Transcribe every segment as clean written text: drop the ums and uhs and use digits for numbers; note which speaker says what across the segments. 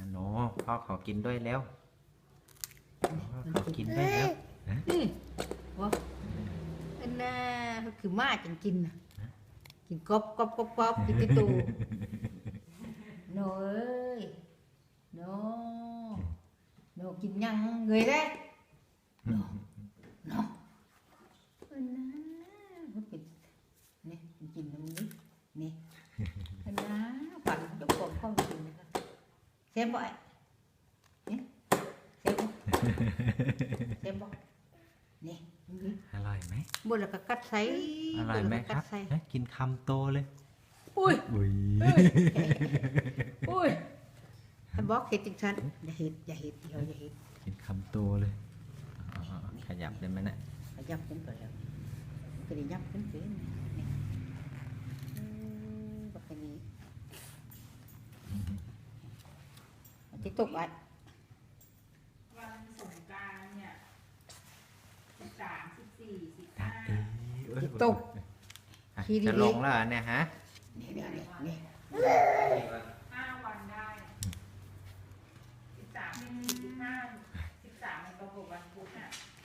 Speaker 1: โนพ่อขอกินด้วยแล้วขอกินด้วยแล้ว
Speaker 2: นี่วะอันน่ะคือมาจังกินน่ะกินกบกินติตูโนเอ้ยโนกินยังngười đấyโนอันน่ะมันเป็นนี่กินตรงนี้นี่อันน่ะปั่นยกคนเข้ากินนะครับxem vậy xemบ่นี่
Speaker 1: อร่อยไหม
Speaker 2: บ่แล้วก็กัดใส่
Speaker 1: อร่อยไหมครับกินคำโตเลย
Speaker 2: อุ้ย
Speaker 1: อุ้ย
Speaker 2: อุ้ยท่านบอกเห็ดจังซั่นอย่าเห็ดอย่าเห็ด
Speaker 1: กินคำโตเลยขยับได้ไหมเนี่ย
Speaker 2: ขยับขึ้นก่อนแล้วก็ได้ยับขึ้นนี่บักนี้ที่ตกอ่ะ
Speaker 3: วันสงกรานต์เนี่ย13 14 15
Speaker 2: ที่ตก
Speaker 1: จะลงแล้วเนี่ยฮะ
Speaker 2: นี่
Speaker 3: 5 วันได้13 14 15 13มันตรงกับวันพุธน่ะ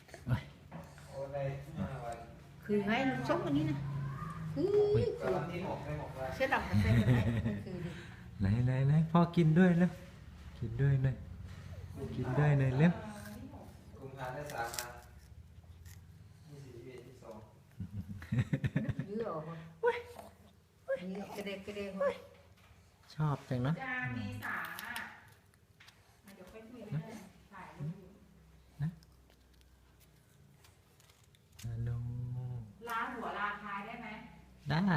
Speaker 2: คือไงลูกsốngอันนี้นะคือเสื้อดำกับเสื้ออะไรคือ
Speaker 1: ไหนพ่อกินด้วยแล้วกินด้วยเลยกินด้วยเลยเร็ว
Speaker 4: กุมภาได้3 วัน24 22
Speaker 2: เยอะนี่กระเดก
Speaker 1: ชอบจังนะ
Speaker 3: จะเมษาเดี๋ยวค่อยคุยกันถ่ายรูป
Speaker 1: โน
Speaker 3: ลาหัวลาท้ายได้ไหม
Speaker 1: ได้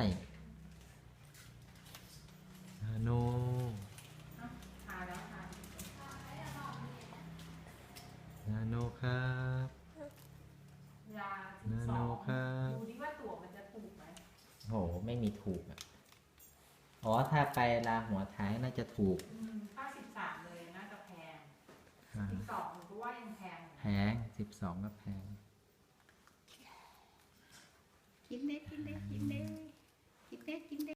Speaker 1: โน
Speaker 3: ถ่ายแล้วถ่าย
Speaker 1: นาโนครับ
Speaker 3: ยา
Speaker 1: นาโนครับ
Speaker 3: ดูดิว่าตั๋วมันจะถูกไหม
Speaker 1: โหไม่มีถูกอ่ะอ๋อถ้าไปลาหัวท้ายน่าจะถูก
Speaker 3: ถ้า13เลยน่าจะแพง12ผมก็ว่ายังแพง
Speaker 1: แพง12ก็แพง
Speaker 2: กินเด้